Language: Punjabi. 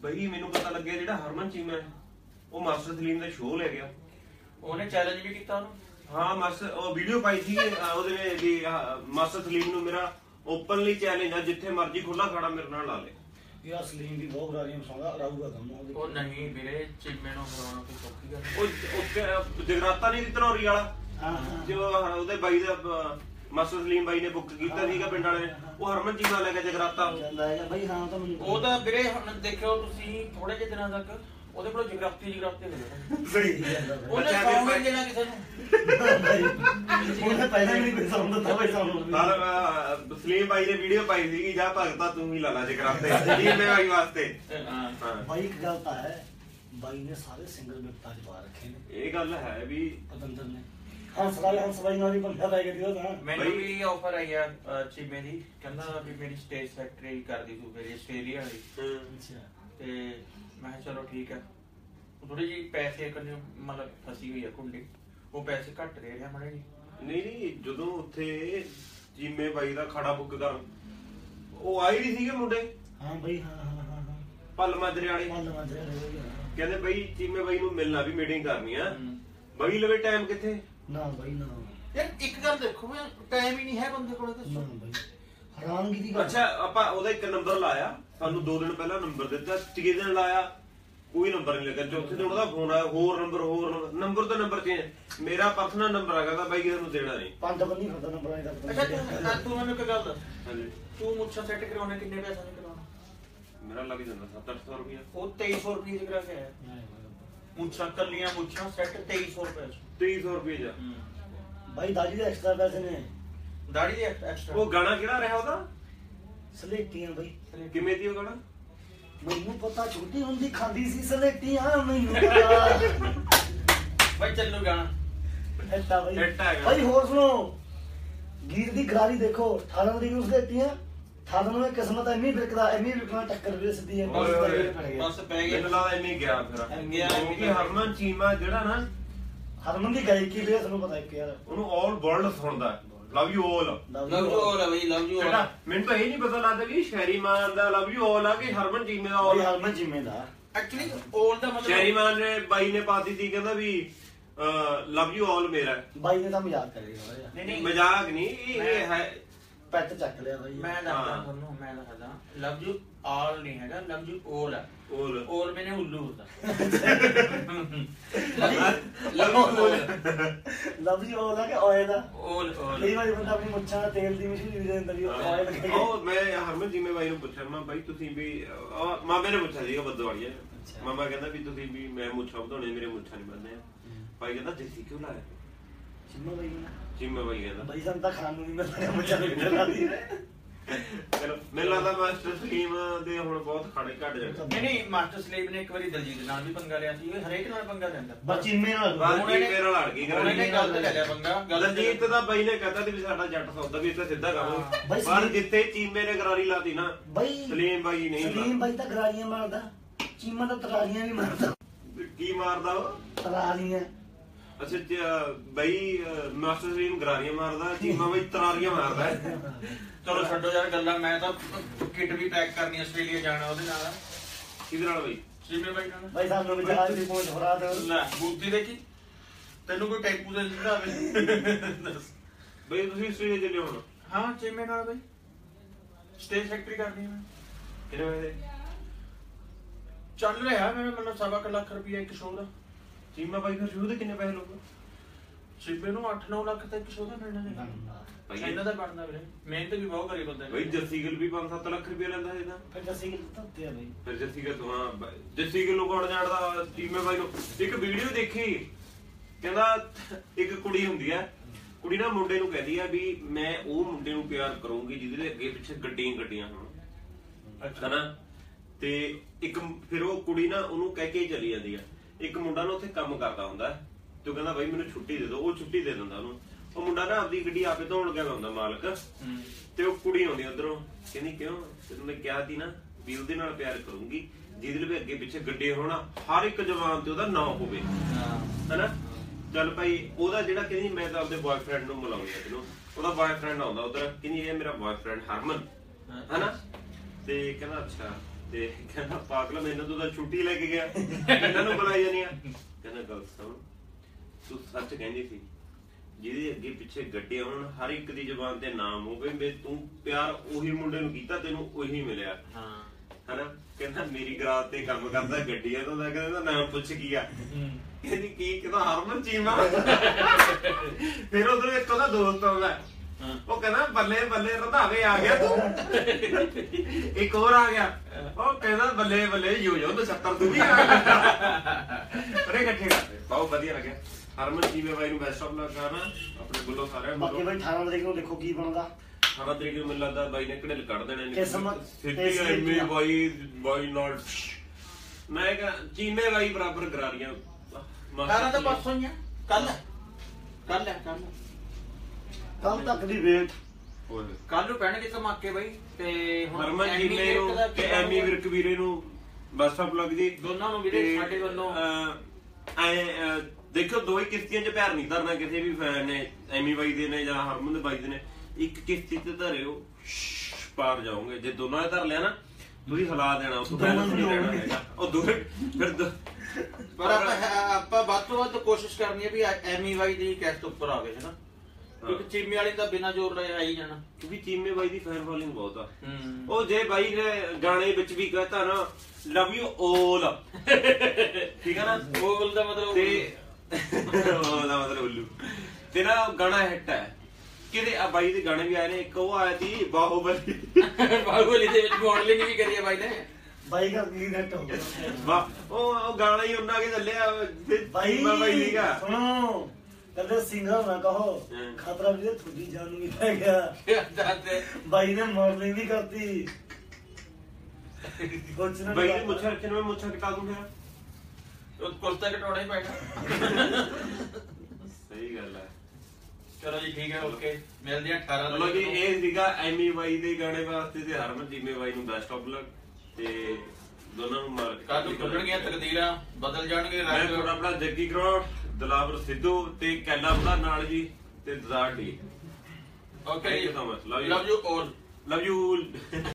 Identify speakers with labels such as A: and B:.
A: ਬਈ ਮੈਨੂੰ ਪਤਾ ਲੱਗਿਆ ਜਿਹੜਾ ਹਰਮਨ ਚੀਮਾ ਉਹ ਮਾਸਟਰ ਸਲੀਮ ਦਾ ਸ਼ੋਅ ਲੈ ਗਿਆ।
B: ਉਹਨੇ ਚੈਲੰਜ ਵੀ ਕੀਤਾ ਉਹਨੂੰ।
A: ਹਾਂ ਮਾਸਟਰ ਉਹ ਵੀਡੀਓ ਪਾਈ ਸੀ ਉਹਦੇ ਵਿੱਚ ਵੀ ਮਾਸਟਰ ਸਲੀਮ ਨੂੰ ਮੇਰਾ ਓਪਨਲੀ ਚੈਲੰਜ ਆ, ਜਿੱਥੇ ਮਰਜ਼ੀ ਖੁੱਲਾ ਖਾਣਾ ਮੇਰੇ ਨਾਲ ਲਾ ਲੈ।
C: ਯਾਰ ਸਲੀਮ ਵੀ ਬਹੁਤ ਬਰਾਰੀਆਂ ਮਸਾਉਂਦਾ, ਰਾਊਗਾ ਕੰਮ
B: ਉਹ ਨਹੀਂ ਵੀਰੇ, ਚੀਮੇ ਨੂੰ ਹਰਾਉਣਾ ਕੋਈ ਸੌਖੀ ਗੱਲ।
A: ਉਹ ਜਗਰਾਤਾ ਨਹੀਂ ਧਨੌਰੀ ਵਾਲਾ ਜੋ ਉਹਦੇ ਬਾਈ ਦਾ ਮਾਸਟਰ ਸਲੀਮ ਬਾਈ ਨੇ ਬੁੱਕ ਕੀਤਾ ਸੀਗਾ ਪਿੰਡ ਵਾਲੇ ਨੇ, ਉਹ ਹਰਮਨ ਚੀਮਾ ਲੈ ਕੇ ਜਗਰਾਤਾ
C: ਬਈ। ਹਾਂ ਤਾਂ
B: ਉਹ ਤਾਂ ਵੀਰੇ ਹੁਣ ਦੇਖਿਓ ਤੁਸੀਂ ਥੋੜੇ ਜਿਹੇ ਦਿਨਾਂ ਤੱਕ ਉਹਦੇ ਕੋਲ ਜਗਰਾਤੀ ਹੋ ਜਾਵੇ।
C: ਸਹੀ ਗੱਲ
B: ਉਹਨੇ ਸੌਂਗ ਨਹੀਂ ਦੇਣਾ ਕਿਸੇ ਨੂੰ।
C: ਉਹਨੇ ਪਹਿਲਾਂ ਹੀ ਨਹੀਂ ਕੋਈ ਸੌਂਗ ਦਿੱਤਾ ਬਈ ਸਾਨੂੰ।
A: ਨਾਲ ਸਲੀਮ ਬਾਈ ਨੇ ਵੀਡੀਓ ਪਾਈ ਸੀਗੀ, ਜਾ ਭਗਤਾ ਤੂੰ ਹੀ ਲਾ ਲਾ ਜਗਰਾਤੇ ਚੀਮੇ ਬਾਈ ਵਾਸਤੇ।
C: ਬਾਈ ਇੱਕ ਗੱਲ ਤਾਂ ਹੈ, ਬਾਈ ਨੇ ਸਾਰੇ ਸਿੰਗਲ ਵਿਪਤਾ ਚ ਪਾ ਰੱਖੇ ਨੇ।
A: ਇਹ ਗੱਲ ਹੈ ਵੀ
C: ਪਤੰਦਰ ਨੇ ਹੰਸ ਬਾਈ ਨਾਲ ਵੀ ਬੰਦਾ ਪੈ ਗਿਆ ਉਹਦਾ।
B: ਮੈਨੂੰ ਵੀ ਆਫਰ ਆਈ ਆ ਚੀਮੇ ਦੀ, ਕਹਿੰਦਾ ਵੀ ਮੇਰੀ ਸਟੇਜ ਸੈਕਟਰੀ ਕਰਦੀ ਤੂੰ ਮੇਰੀ ਆਸਟ੍ਰੇਲੀਆ ਵਾਲੀ।
C: ਅੱਛਾ।
B: ਤੇ ਮੈਂ ਕਿਹਾ ਚਲੋ ਠੀਕ ਹੈ। ਥੋੜੀ ਜਿਹੀ ਪੈਸੇ ਕਰਨੇ ਮਤਲਬ ਫਸੀ ਹੋਈ ਆ ਕੁੰਡੀ, ਉਹ ਪੈਸੇ ਘੱਟ ਦੇ ਰਿਹਾ ਮਾੜੇ ਜੀ।
A: ਨਹੀਂ ਜਦੋਂ ਉੱਥੇ ਚੀਮੇ ਬਾਈ ਦਾ ਖੜਾ ਬੁੱਕ ਕਰ ਉਹ ਆਏ ਨਹੀਂ ਸੀਗੇ ਮੁੰਡੇ।
C: ਹਾਂ ਬਈ ਹਾਂ
A: ਪੱਲ ਮਾਜਰੇ ਵਾਲੇ ਕਹਿੰਦੇ ਬਈ ਚੀਮੇ ਬਾਈ ਨੂੰ ਮਿਲਣਾ ਵੀ ਮੀਟਿੰਗ ਕਰਨੀ ਆ। ਬਾਈ ਲਵੇ ਟਾਈਮ ਕਿੱਥੇ
C: ਨਾ ਬਈ ਨਾ
B: ਯਾਰ ਇੱਕ ਗੱਲ ਦੇਖੋ ਮੈਂ ਟਾਈਮ ਹੀ ਨਹੀਂ ਹੈ ਬੰਦੇ ਕੋਲ।
C: ਨਾ ਬਈ ਹੈਰਾਨਗੀ ਦੀ ਗੱਲ।
A: ਅੱਛਾ ਆਪਾਂ ਉਹਦਾ ਇੱਕ ਨੰਬਰ ਲਾਇਆ, ਸਾਨੂੰ 2 ਦਿਨ ਪਹਿਲਾਂ ਨੰਬਰ ਦਿੱਤਾ, ਤੀਜੇ ਦਿਨ ਲਾਇਆ ਕੋਈ ਨੰਬਰ ਨਹੀਂ ਲੱਗਾ, ਚੌਥੇ ਦਿਨ ਉਹਦਾ ਫੋਨ ਆਇਆ ਹੋਰ ਨੰਬਰ ਤੋਂ ਨੰਬਰ ਚੇਂਜ। ਮੇਰਾ ਪਰਸਨਲ ਨੰਬਰ ਹੈਗਾ ਤਾਂ ਬਾਈ ਕਿਸੇ ਨੂੰ ਦੇਣਾ ਨਹੀਂ।
C: 5 ਬੰਨੀ ਖੜਦਾ ਨੰਬਰਾਂ ਦਾ।
B: ਅੱਛਾ ਤੂੰ ਮੈਨੂੰ ਇੱਕ ਗੱਲ ਦੱਸ,
A: ਹਾਂਜੀ
B: ਤੂੰ ਮੁੱਛਾਂ ਸੈੱਟ ਕਰਾਉਣੇ ਕਿੰਨੇ ਪੈਸੇ ਦੇ ਕਰਾਉਣਾ?
A: ਮੇਰਾ ਲੱਗ ਜਾਂਦਾ 700-800 ਰੁਪਇਆ।
B: ਉਹ 2300 ਰੁਪਏ ਦੇ ਕਰਾ ਕੇ ਆਇਆ। ਮੁੱਛਾਂ ਕੱਲੀਆਂ ਮੁੱਛਾਂ ਸੈੱਟ 2300 ਰੁਪਏ।
A: 2300 ਰੁਪਏ ਜਾ
C: ਬਾਈ ਦਾੜੀ ਦੇ ਐਕਸਟਰਾ ਪੈਸੇ ਨੇ।
B: ਦਾੜੀ ਦੇ ਐਕਸਟਰਾ।
A: ਉਹ ਗਾਣਾ ਕਿਹੜਾ ਰਿਹਾ ਉਹਦਾ?
C: ਸਲੇਟੀਆਂ ਬਈ।
A: ਕਿਵੇਂ ਦੀ ਉਹ ਗਾਣਾ?
C: ਮੈਨੂੰ ਪਤਾ ਛੋਟੀ ਹੁੰਦੀ ਖਾਂਦੀ ਸੀ ਸਲੇਟੀਆਂ ਮੈਨੂੰ ਪਤਾ।
B: ਬਾਈ ਚੱਲੋ ਗਾਣਾ
C: ਐਟਾ ਬਈ।
A: ਐਟਾ ਹੈਗਾ
C: ਬਾਈ ਹੋਰ ਸੁਣੋ, ਗੀਤ ਦੀ ਗਰਾਰੀ ਦੇਖੋ। 18 ਦੀ ਉਸ ਸਲੇਟੀਆਂ 18 ਨੂੰ ਕਿਸਮਤ ਐਵੇਂ ਵਿਕਣਾ ਟੱਕਰ ਵੀ ਸਿੱਧੀ ਹੈ।
B: ਬਸ ਪੈ ਗਿਆ।
A: ਮੈਨੂੰ ਲੱਗਦਾ ਇੰਨੀ ਗਿਆ ਫਿਰ ਕਿਉਂਕਿ ਹਰਮਨ ਚੀਮਾ ਜਿਹੜਾ ਨਾ
C: ਹਰਮਨ ਦੀ ਗਾਇਕੀ ਵੀ ਤੁਹਾਨੂੰ ਪਤਾ ਇੱਕ ਯਾਰ
A: ਉਹਨੂੰ ਆਲ ਵਰਲਡ ਸੁਣਦਾ। ਲਵ ਯੂ ਆਲ
B: ਲਵ ਯੂ ਆਲ ਬਈ ਲਵ ਯੂ ਆਲ।
A: ਮੈਨੂੰ ਤਾਂ ਇਹ ਨਹੀਂ ਪਤਾ ਲੱਗਦਾ ਵੀ ਸ਼ੈਰੀ ਮਾਨ ਦਾ ਲਵ ਯੂ ਆਲ ਆ ਕਿ ਹਰਮਨ ਚੀਮੇ ਦਾ ਆਲ।
C: ਹਰਮਨ ਚੀਮੇ ਦਾ
B: ਐਕਚੁਅਲੀ ਆਲ ਦਾ ਮਤਲਬ
A: ਸ਼ੈਰੀ ਮਾਨ ਨੇ ਬਾਈ ਨੇ ਪਾਤੀ ਸੀ, ਕਹਿੰਦਾ ਵੀ ਲਵ ਯੂ ਆਲ ਮੇਰਾ।
C: ਬਾਈ ਨੇ ਤਾਂ ਮਜ਼ਾਕ ਕਰਿਆ।
B: ਨਹੀਂ
A: ਮਜ਼ਾਕ ਨਹੀਂ, ਇਹ ਹੈ
C: ਪੈਟ ਚੱਕ ਲਿਆ ਬਾਈ।
B: ਮੈਂ ਦੱਸਦਾ ਤੁਹਾਨੂੰ, ਮੈਂ ਦੱਸਦਾ ਲਵ ਯੂ ਆਲ ਨਹੀਂ ਹੈਗਾ, ਲਵ ਯੂ ਆਲ ਹੈ। ਆਲ ਮੈਨੇ ਉੱਲੂ ਹੁੰਦਾ।
C: ਲਵ ਯੂ ਆਲ ਆ ਕਿ ਆਇਲ ਆ?
B: ਆਲ
C: ਕਈ ਵਾਰੀ ਬੰਦਾ ਆਪਣੀ ਮੁੱਛਾਂ ਦਾ ਤੇਲ ਦੀ ਮਸ਼ਹੂਰੀ ਦੇ ਦਿੰਦਾ ਵੀ ਆਇਲ ਲਗਾਇਆ।
A: ਉਹ ਮੈਂ ਹਰਮਨ ਚੀਮੇ ਬਾਈ ਨੂੰ ਪੁੱਛਿਆ, ਮੈਂ ਬਾਈ ਤੁਸੀਂ ਵੀ ਮਾਮੇ ਨੇ ਪੁੱਛਿਆ ਸੀਗਾ ਬੱਦੋਵਾਲੀਆ। ਮਾਮਾ ਕਹਿੰਦਾ ਵੀ ਤੁਸੀਂ ਵੀ ਮੈਂ ਮੁੱਛਾਂ ਵਧਾਉਣੇ, ਮੇਰੇ ਮੁੱਛਾਂ ਨਹੀਂ ਬੰਨ੍ਹਦੇ ਆ। ਬਾਈ ਕਹਿੰਦਾ ਦੇਸੀ ਕਿਉਂ ਲਾਇਆ?
C: ਚੀਮਾ ਬਾਈ ਨੇ
A: ਚੀਮਾ ਬਾਈ ਕਹਿੰਦਾ
C: ਬਾਈ ਸਾਨੂੰ ਤਾਂ ਖਾਣ ਨੂੰ ਨਹੀਂ ਮਿਲਦਾ ਮੁੱਛਾਂ ਦੇ ਵਿੱਚ ਲਾ ਦੀ।
A: ਚਲੋ ਮੈਨੂੰ ਲੱਗਦਾ ਮਾਸਟਰ ਸਲੀਮ ਦੇ ਹੁਣ ਬਹੁਤ ਖਾਣੇ ਘੱਟ ਜਾਣੇ।
B: ਨਹੀਂ ਮਾਸਟਰ ਸਲੀਮ ਨੇ ਇੱਕ ਵਾਰੀ ਦਲਜੀਤ ਨਾਲ ਵੀ ਪੰਗਾ ਲਿਆ ਸੀ। ਹਰੇਕ ਨਾਲ ਪੰਗਾ ਲੈਂਦਾ।
C: ਬਸ ਚੀਮੇ ਨਾਲ
A: ਮੇਰੇ ਨਾਲ ਅੜ ਗਈ।
B: ਉਹਨੇ ਗਲਤ ਲੈ ਲਿਆ ਪੰਗਾ।
A: ਦਲਜੀਤ ਦਾ ਬਾਈ ਨੇ ਕਹਿੰਦਾ ਵੀ ਸਾਡਾ ਜੱਟ ਸੌਦਾ ਵੀ ਇੱਥੇ ਸਿੱਧਾ ਕਰ, ਪਰ ਜਿੱਥੇ ਚੀਮੇ ਨੇ ਗਰਾਰੀ ਲਾਤੀ ਨਾ
C: ਬਾਈ
A: ਸਲੀਮ ਬਾਈ ਨਹੀਂ।
C: ਸਲੀਮ ਬਾਈ ਤਾਂ ਗਰਾਰੀਆਂ ਮਾਰਦਾ, ਚੀਮਾ ਤਾਂ ਤਰਾਲੀਆਂ ਵੀ ਮਾਰਦਾ।
A: ਕੀ ਮਾਰਦਾ ਉਹ?
C: ਤਰਾਲੀਆਂ।
A: ਅੱਛਾ ਬਾਈ ਮਾਸਟਰ ਸਲੀਮ ਗਰਾਰੀਆਂ ਮਾਰਦਾ, ਚੀਮਾ ਬਾਈ ਤਰਾਰੀਆਂ ਮਾਰਦਾ।
B: ਚਲੋ ਛੱਡੋ ਯਾਰ ਗੱਲਾਂ। ਮੈਂ ਤਾਂ ਕਿਟ ਵੀ ਪੈਕ ਕਰਨੀ ਆਸਟ੍ਰੇਲੀਆ ਜਾਣਾ ਉਹਦੇ ਨਾਲ।
A: ਕਿਹਦੇ ਨਾਲ ਬਾਈ?
B: ਚੀਮੇ ਬਾਈ ਨਾਲ।
C: ਬਾਈ ਸਾਨੂੰ ਵੀ ਜਹਾਜ਼ ਦੀ ਪਹੁੰਚ ਫੜਾ ਦੇ।
B: ਲੈ ਬੂਤੀ ਦੇਖੀ ਤੈਨੂੰ ਕੋਈ ਟੈਂਪੂ ਦੇ ਦਿੰਦਾ ਹੋਵੇ।
A: ਬਾਈ ਤੁਸੀਂ ਆਸਟ੍ਰੇਲੀਆ ਚੱਲੇ ਹੁਣ?
B: ਹਾਂ ਚੀਮੇ ਨਾਲ ਬਾਈ ਸਟੇਜ ਫੈਕਟਰੀ ਕਰਨੀ ਹੈ।
A: ਕਿੰਨੇ ਵਜੇ
B: ਚੱਲ ਰਿਹਾ ਮੇਰੇ ਮਤਲਬ 1.25 ਲੱਖ ਰੁਪਇਆ ਇੱਕ ਸ਼ੋਅ ਦਾ।
A: ਚੀਮਾ ਬਾਈ ਫਿਰ ਸ਼ੁਰੂ ਦੇ ਕਿੰਨੇ ਪੈਸੇ ਲਊਗਾ?
B: ਚੀਮੇ ਨੂੰ 8-9 ਲੱਖ ਤੱਕ ਸ਼ੋਅ ਦਾ ਮਿਲਣਾ ਹੈ। ਇਹਨਾਂ ਦਾ ਬਣਦਾ ਵੀਰੇ, ਮਿਹਨਤ ਵੀ ਬਹੁਤ ਕਰੀ ਬੰਦੇ ਨੇ।
A: ਬਾਈ ਜੱਸੀ ਗਿੱਲ ਵੀ 5-7 ਲੱਖ ਰੁਪਏ ਲੈਂਦਾ ਇਹਦਾ।
C: ਫਿਰ ਜੱਸੀ ਗਿੱਲ ਤਾਂ ਉੱਤੇ ਆ ਬਾਈ।
A: ਫਿਰ ਜੱਸੀ ਗਿੱਲ ਤੋਂ ਹਾਂ ਜੱਸੀ ਗਿੱਲ ਨੂੰ ਕੌਣ ਜਾਣਦਾ? ਚੀਮੇ ਬਾਈ ਨੂੰ ਇੱਕ ਵੀਡੀਓ ਦੇਖੀ, ਕਹਿੰਦਾ ਇੱਕ ਕੁੜੀ ਹੁੰਦੀ ਆ, ਕੁੜੀ ਨਾ ਮੁੰਡੇ ਨੂੰ ਕਹਿੰਦੀ ਆ ਵੀ ਮੈਂ ਉਹ ਮੁੰਡੇ ਨੂੰ ਪਿਆਰ ਕਰੂੰਗੀ ਜਿਹਦੇ ਦੇ ਅੱਗੇ ਪਿੱਛੇ ਗੱਡੀਆਂ ਹੋਣ। ਅੱਛਾ ਨਾ। ਤੇ ਇੱਕ ਫਿਰ ਉਹ ਕੁੜੀ ਨਾ ਉਹਨੂੰ ਕਹਿ ਕੇ ਚਲੀ ਜਾਂਦੀ ਆ। ਇੱਕ ਮੁੰਡਾ ਨਾ ਉੱਥੇ ਕੰਮ ਕਰਦਾ ਹੁੰਦਾ ਤੇ ਉਹ ਕਹਿੰਦਾ ਬਾਈ ਮੈਨੂੰ ਛੁੱਟੀ ਦੇ ਦਿਓ, ਉਹ ਛੁੱਟੀ ਦੇ ਦਿੰਦਾ ਉਹਨੂੰ। ਉਹ ਮੁੰਡਾ ਨਾ ਆਪਦੀ ਗੱਡੀ ਆਪੇ ਧੋਣ ਗਿਆ ਹੁੰਦਾ ਮਾਲਕ। ਤੇ ਉਹ ਕੁੜੀ ਆਉਂਦੀ ਉਧਰੋਂ, ਕਹਿੰਦੀ ਕਿਉਂ? ਤੈਨੂੰ ਮੈਂ ਕਿਹਾ ਸੀ ਨਾ ਵੀ ਉਹਦੇ ਨਾਲ ਪਿਆਰ ਕਰੂੰਗੀ ਜਿਹਦੇ ਲਈ ਅੱਗੇ ਪਿੱਛੇ ਗੱਡੇ ਹੋਣਾ, ਹਰ ਇੱਕ ਜਵਾਨ ਤੇ ਉਹਦਾ ਨਾਂ ਹੋਵੇ, ਹਨਾ। ਚੱਲ ਭਾਈ ਉਹਦਾ ਜਿਹੜਾ ਕਹਿੰਦੀ ਮੈਂ ਤਾਂ ਆਪਦੇ ਬॉयਫ੍ਰੈਂਡ ਨੂੰ ਮਿਲਾਉਂਦੀ ਆ ਤੈਨੂੰ, ਉਹਦਾ ਬॉयਫ੍ਰੈਂਡ ਆਉਂਦਾ ਉਧਰ, ਕਹਿੰਦੀ ਇਹ ਮੇਰਾ ਬॉयਫ੍ਰੈਂਡ ਹਰਮਨ, ਹਨਾ। ਤੇ ਕਹਿੰਦਾ ਅੱਛਾ। ਤੇ ਕਹਿੰਦਾ ਪਾਗਲ ਮੈਨੂੰ ਤੂੰ ਤਾਂ ਛੁੱਟੀ ਲੈ ਕੇ ਗਿਆ ਇਹਨਾਂ ਨੂੰ ਬੁਲਾਈ ਜਾਨੀ ਆ। ਕਹਿੰਦਾ ਗੱਲ ਸੁਣ, ਤੂੰ ਸੱਚ ਕਹਿੰਦੀ ਸੀ, ਜਿਹਦੇ ਅੱਗੇ ਪਿੱਛੇ ਗੱਡੇ ਆਉਣ ਹਰ ਇੱਕ ਦੀ ਜ਼ੁਬਾਨ ਤੇ ਨਾਮ ਹੋਵੇ ਵੀ ਤੂੰ ਪਿਆਰ ਉਹੀ ਮੁੰਡੇ ਨੂੰ ਕੀਤਾ, ਤੈਨੂੰ ਉਹੀ ਮਿਲਿਆ ਹਨਾ। ਕਹਿੰਦਾ ਮੇਰੀ ਗਰਾਜ ਤੇ ਕੰਮ ਕਰਦਾ ਗੱਡੀਆਂ ਤੋਂ, ਕਹਿੰਦਾ ਨਾਮ ਪੁੱਛ ਕੀ ਆ, ਕਹਿੰਦੀ ਕੀ, ਕਹਿੰਦਾ ਹਰਮਨ ਚੀਮਾ। ਫਿਰ ਉਧਰੋਂ ਇੱਕ ਉਹਦਾ ਦੋਸਤ ਆਉਂਦਾ, ਉਹ ਕਹਿੰਦਾ ਬੱਲੇ ਬੱਲੇ ਰੰਧਾਵੇ ਆ ਗਿਆ ਤੂੰ। ਇੱਕ ਹੋਰ ਆ ਗਿਆ, ਉਹ ਕਹਿੰਦਾ ਬੱਲੇ ਬੱਲੇ ਯੋ 79 ਤੂੰ ਵੀ ਆ ਗਿਆ। ਪਰ ਇਕੱਠੇ ਕਰਦੇ ਬਹੁਤ ਵਧੀਆ ਲੱਗਿਆ। ਹਰਮਨ ਚੀਮੇ ਬਾਈ ਨੂੰ ਬੈਸਟ ਆਫ ਲੱਕ ਕਰਨਾ ਆਪਣੇ ਵੱਲੋਂ ਸਾਰਿਆਂ ਨੂੰ।
C: ਬਾਕੀ ਬਾਈ 18 ਤਰੀਕ ਨੂੰ ਦੇਖੋ ਕੀ ਬਣਦਾ।
A: 18 ਤਰੀਕ ਨੂੰ ਮੈਨੂੰ ਲੱਗਦਾ ਬਾਈ ਨੇ ਘੜੇਲ ਕੱਢ ਦੇਣੇ ਨੇ।
C: ਕਿਸਮਤ
A: ਸਿੱਧੀ ਐਮੀ ਬਾਈ ਨਾਟ, ਮੈਂ ਕਿਹਾ ਚੀਮੇ ਬਾਈ ਬਰਾਬਰ ਗਰਾਰੀਆਂ।
B: 18 ਤਾਂ ਪਰਸੋਂ ਹੀ ਆ, ਕੱਲ ਕੱਲ
C: ਕੱਲ ਤੱਕ ਦੀ ਵੇਟ।
B: ਕੱਲ ਨੂੰ ਪੈਣਗੇ ਧਮਾਕੇ ਬਾਈ। ਤੇ
A: ਹਰਮਨ ਚੀਮੇ ਨੂੰ ਤੇ ਐਮੀ ਵਿਰਕ ਵੀਰੇ ਨੂੰ ਬੈਸਟ ਆਫ ਲੱਕ ਜੀ
B: ਦੋਨਾਂ ਨੂੰ ਵੀਰੇ ਸਾਡੇ ਵੱਲੋਂ।
A: ਦੇਖੋ ਦੋ ਹੀ ਕਿਸ਼ਤੀਆਂ 'ਚ ਪੈਰ ਨਹੀਂ ਧਰਨਾ ਕਿਸੇ ਵੀ ਫੈਨ ਨੇ, ਐਮੀ ਬਾਈ ਦੇ ਨੇ ਜਾਂ ਹਰਮਨ ਦੇ ਬਾਈ ਦੇ ਨੇ। ਇੱਕ ਕਿਸ਼ਤੀ ਤੇ ਧਰਿਓ ਪਾਰ ਜਾਓਗੇ, ਜੇ ਦੋਨਾਂ ਨੇ ਧਰ ਲਿਆ ਨਾ ਤੁਸੀਂ ਹਿਲਾ ਦੇਣਾ, ਉਸ ਤੋਂ ਬੈਲੈਂਸ ਨਹੀਂ ਰਹਿਣਾ ਹੈਗਾ। ਉਹ ਦੂਰ ਫਿਰ
B: ਪਰ ਆਪਾਂ ਵੱਧ ਤੋਂ ਵੱਧ ਕੋਸ਼ਿਸ਼ ਕਰਨੀ ਹੈ ਵੀ ਐਮੀ ਬਾਈ ਦੀ ਕੈਸਟ ਉੱਪਰ ਆਵੇ ਹਨਾ, ਕਿਉਂਕਿ ਚੀਮੇ ਵਾਲੀ ਤਾਂ ਬਿਨਾਂ ਜ਼ੋਰ ਲਾਏ ਆਈ ਜਾਣਾ,
A: ਕਿਉਂਕਿ ਚੀਮੇ ਬਾਈ ਦੀ ਫੈਨ ਫੋਲੋਇੰਗ ਬਹੁਤ ਆ। ਉਹ ਜੇ ਬਾਈ ਨੇ ਗਾਣੇ ਵਿੱਚ ਵੀ ਕਹਤਾ ਨਾ ਲਵ ਯੂ ਓਲ, ਠੀਕ ਹੈ ਨਾ,
B: ਓਲ ਦਾ ਮਤਲਬ
A: ਤੇ ਉਹਦਾ ਮਤਲਬ ਉੱਲੂ ਤੇ ਨਾ ਗਾਣਾ ਹਿੱਟ ਹੈ। ਕਿਹਦੇ ਆ ਬਾਈ ਦੇ ਗਾਣੇ ਵੀ ਆਏ ਨੇ, ਇੱਕ ਉਹ ਆਇਆ ਸੀ ਬਾਹੂਬਲੀ।
B: ਬਾਹੂਬਲੀ ਦੇ ਵਿੱਚ ਮਾਡਲਿੰਗ ਵੀ ਕਰੀ ਹੈ ਬਾਈ ਨੇ।
C: ਬਾਈ ਦਾ ਕੀ ਨੈਟ ਹੋ ਗਿਆ
A: ਵਾਹ, ਉਹ ਗਾਣਾ ਹੀ ਉਹਨਾਂ ਕੇ ਚੱਲਿਆ
C: ਬਾਈ।
A: ਬਾਈ ਸੀਗਾ।
C: ਸੁਣੋ ਕਦੇ ਸਿੰਗਰ ਨਾ ਕਹੋ, ਖਤਰਾ ਵੀ ਤੁਹਾਡੀ ਜਾਨ ਨੂੰ ਵੀ ਪੈ ਗਿਆ। ਬਾਈ ਨੇ ਮਾਡਲਿੰਗ ਵੀ ਕਰਤੀ। ਕੁਛ ਨਾ
A: ਬਾਈ ਨੇ ਮੁੱਛਾਂ ਰੱਖੇ ਨੇ, ਮੈਂ ਮੁੱਛਾਂ ਕਟਾ ਦੂੰ ਫਿਰ।
B: ਕੁਲਤਾ ਘਟਾਉਣਾ ਹੀ ਪੈਣਾ।
A: ਸਹੀ ਗੱਲ ਹੈ।
B: ਚਲੋ ਜੀ ਠੀਕ ਹੈ, ਓਕੇ ਮਿਲਦੇ ਆ 18
A: ਚਲੋ ਜੀ, ਇਹ ਸੀਗਾ ਐਮੀ ਬਾਈ ਦੇ ਗਾਣੇ ਵਾਸਤੇ ਤੇ ਹਰਮਨ ਚੀਮੇ ਬਾਈ ਨੂੰ ਬੈਸਟ ਆਫ ਲੱਕ। ਤੇ ਦੋਨਾਂ ਨੂੰ ਮਾਰ
B: ਕੱਲ ਨੂੰ ਖੁੱਲਣਗੀਆਂ ਤਕਦੀਰਾਂ, ਬਦਲ ਜਾਣਗੇ
A: ਮੈਂ
B: ਰੰਗ।
A: ਤੁਹਾਡਾ ਆਪਣਾ ਜੱਗੀ ਕਰੋੜ, ਦਲਾਵਰ ਸਿੱਧੂ ਤੇ ਕੈਲਾ ਬੁਲਾ ਨਾਲ ਜੀ ਤੇ ਦਜ਼ਾਰ ਡੀ।
B: Okay,
A: thank you so much,
B: love you all,
A: love you.